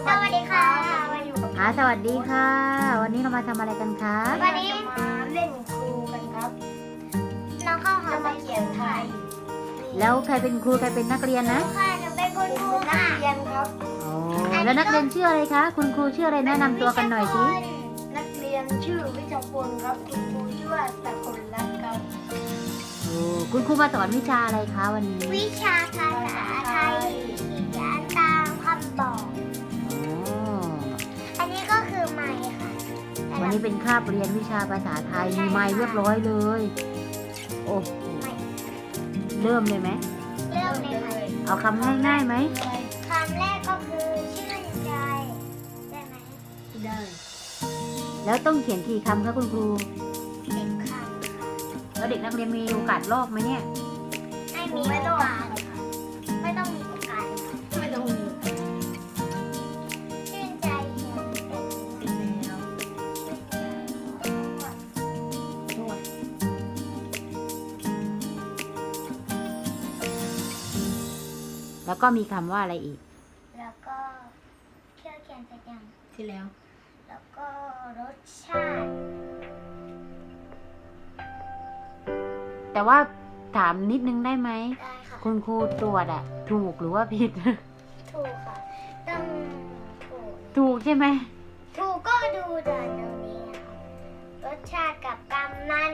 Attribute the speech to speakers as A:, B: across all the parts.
A: สวัสดีค่ะมาอยู่กับ
B: สวัสดีค่ะ วันนี้เรามาทำอะไรกันคะ
A: วันนี้มาเล่นครูกันครับน้องข้าวหอมมาเขียนไทย
B: แล้วใครเป็นครูใครเป็นนักเรียนนะ
A: ค่ะหนูเป็นคุณครูค่ะนักเรียนครับ
B: อ๋อแล้วนักเรียนชื่ออะไรคะคุณครูชื่ออะไรแนะนำตัวกันหน่อยสิ
A: นักเรียนชื่อวิชาพลครับคุณครูชื่อว่าตะคนรักครับ
B: โอ้คุณครูมาสอนวิชาอะไรคะวันนี้
A: วิชาภาษาไทยเขียนตามคำบอก
B: อ๋อ
A: อันนี้ก็คือไม้ค่ะ
B: วันนี้เป็นคาบเรียนวิชาภาษาไทยมีไมค์เรียบร้อยเลย โอ้โหเริ่มเลยไหม
A: เริ่มเลยค่ะ
B: เอาคำง่ายๆไหม
A: คำแรกก็คือชื่นใจได้ไหม
B: ได้ แล้วต้องเขียนกี่คำคะคุณครู
A: 10 คำค่ะ
B: แล้วเด็กนักเรียนมีโอกาสลอกไหมเนี่ย
A: ไม่มีโอกาสไม่ต้องมีโอกาส
C: ไม่ต้องมี
A: ชื่นใจเขียนเป็น
C: ติดแล้วนวด
B: แล้วก็มีคำว่าอะไรอีก
A: แล้วก็เคี่ยวเขียนเสร็จยัง
C: ที่แล้ว
A: แล้วก็รสชาติ
B: แต่ว่าถามนิดนึงได้ไหม
A: ได้ค่ะ
B: คุณครูตรวจอะถูกหรือว่าผิด
A: ถูกค่ะต้องถูก
B: ถูกใช่ไหม
A: ถูกก็ดูด่านตรงนี้ค่ะรสชาติกับกำนัน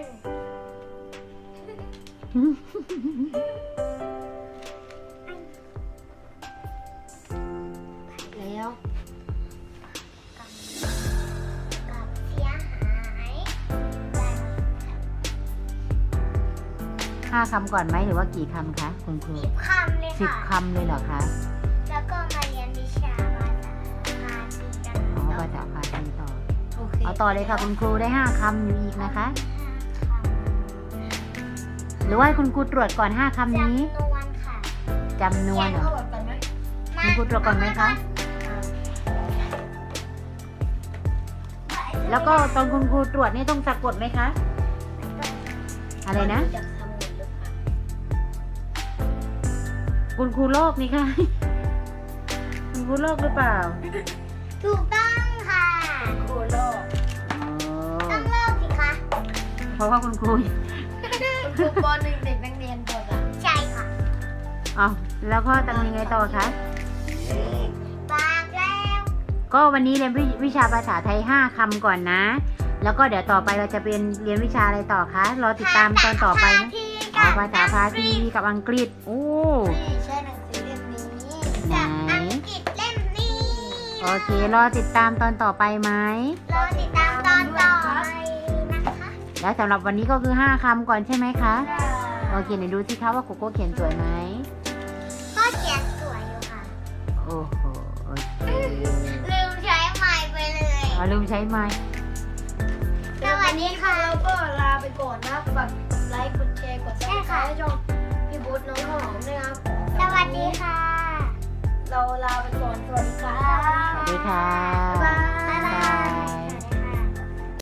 C: แล้ว
A: กับเสียหายได้
B: 5 คำก่อนไหมหรือว่ากี่คำคะคุณครู
A: 10 คำเลยค่ะ
B: 10 คำเลยเหรอคะ
A: แล้วก็มาเรียนวิชาภาษาพาสีกัน
B: อ๋อ
A: ต่อ
B: ภาษาพาทีต่อ
C: โอเค
B: เอาต่อเลยค่ะคุณครูได้ 5 คำอยู่อีกนะคะ
A: ค่ะ
B: หรือว่าคุณครูตรวจก่อน 5 คำนี้
A: จำนวนค่ะ
B: จำนวนเหรอ
C: เข้าแบบกันไหม
B: คุณครูตรวจก่อนไหมคะ แล้วก็ตอนคุณครูตรวจนี่ต้องสะกดไหมคะ อะไรนะ
C: จากสมุดหรือเปล่า
B: คุณครูโลกนี่ค่ะ คุณครูโลกหรือเปล่า
A: ถูกต้องค่ะ
C: โคโลก
B: อ๋อ
A: ต้องเลิกสิคะ
B: เพราะว่าคุณครู
C: คุณครูป .1 เด็กนักเรียนกดอ่ะ
A: ใช่ค่ะ
B: อ๋อแล้วก็ทำยังไงต่อคะ
A: บอกแล้ว
B: ก็วันนี้เรียนวิชาภาษาไทย 5 คำก่อนนะ แล้วก็เดี๋ยวต่อไปเราจะเป็นเรียนวิชาอะไรต่อคะ รอติดตามตอนต่อไปนะอ๋อภาษาพาทีกับอังกฤษ โอ้
C: นี่ใช่หนังสือเล่มนี้
B: ไหน
A: จากอังกฤษเล่มนี้
B: โอเค รอติดตามตอนต่อไปไหม
A: รอติดตามตอนต่อไปนะคะ
B: แล้วสำหรับวันนี้ก็คือ 5 คำก่อนใช่ไหมคะ โอเคไหนดูสิคะว่าโกโก้เขียนสวยไหม
A: ก็เขียนสวยอยู่ค่ะ
B: โอ้โหโอเค
A: ลืมใช้ไม้ไปเลย
B: เอาลืมใช้ไม้
A: สวัสดีค่ะ
C: เราก็ลาไปก่อนนะฝากกดไลค์ กดแชร์ กดซับสไครต์ให้ช่องพี่บุ๊ทน้องข้าวหอมด้วยครับ
A: สวัสดีค่ะ
C: เราลาไปก่อน สวัสดีครับ
B: สวัสดีค่ะ